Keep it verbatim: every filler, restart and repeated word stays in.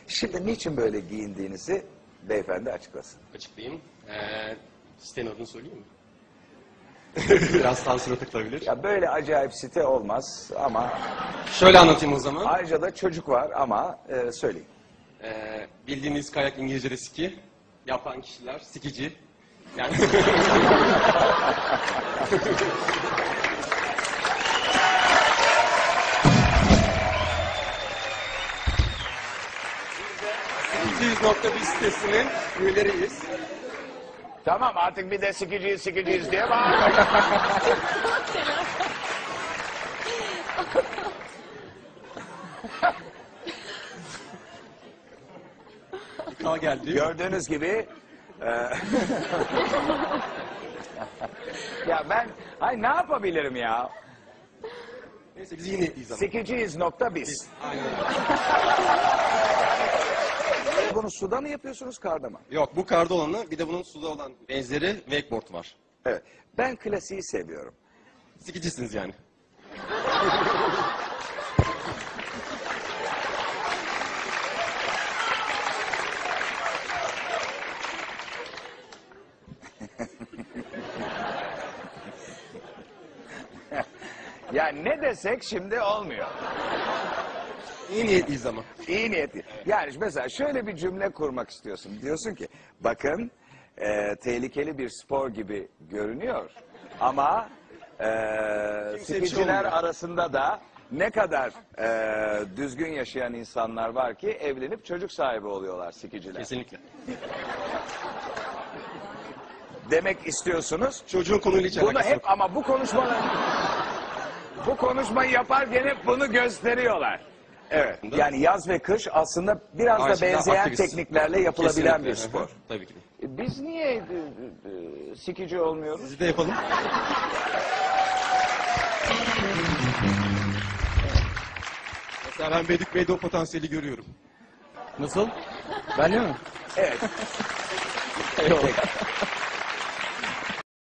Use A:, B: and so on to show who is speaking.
A: Şimdi niçin böyle giyindiğinizi beyefendi açıklasın.
B: Açıklayayım. Ee, sitenin adını söyleyeyim mi? Biraz sansüre takılabilir.
A: Ya böyle acayip site olmaz ama
B: Şöyle anlatayım o zaman.
A: ayrıca da çocuk var ama e, söyleyin.
B: Ee, bildiğiniz kayak İngilizce'de ski. Yapan kişiler sikici. Yani iki yüz nokta bir sitesinin üyeleriyiz.
A: Tamam artık bir de sikiciyiz sikiciyiz diye bağırmayın.
B: K geldi.
A: Gördüğünüz gibi e, ya ben ay ne yapabilirim ya?
B: Neyse biz yine iyiyiz ama.
A: Sikiciyiz nokta biz.
B: Aynen.
A: Bunu suda mı yapıyorsunuz karda mı?
B: Yok bu karda olanı bir de bunun suda olan benzeri wakeboard var.
A: Evet. Ben klasiği seviyorum.
B: Sikicisiniz yani.
A: Ya ne desek şimdi olmuyor.
B: İyi niyetliyiz ama.
A: İyi niyetli. Yani mesela şöyle bir cümle kurmak istiyorsun. Diyorsun ki bakın e, tehlikeli bir spor gibi görünüyor. Ama e,
B: Kimse bir şey
A: sikiciler
B: olmuyor.
A: arasında da ne kadar e, düzgün yaşayan insanlar var ki evlenip çocuk sahibi oluyorlar sikiciler.
B: Kesinlikle.
A: Demek istiyorsunuz.
B: Çocuğun konuyla hiç
A: Bunu
B: alakası
A: hep
B: yok.
A: ama bu konuşmalar bu konuşmayı yaparken hep bunu gösteriyor. Evet. Yani yaz ve kış aslında biraz da
B: Aslında
A: benzeyen
B: aktivist.
A: tekniklerle yapılabilen
B: Kesinlikle.
A: bir spor.
B: Tabii ki de.
A: E, Biz niye e, e, sikici olmuyoruz?
B: Sizi de yapalım. Mesela ben Bedik Bey'de o potansiyeli görüyorum.
C: Nasıl? Ben de mi?
A: Evet.
C: Eyvallah.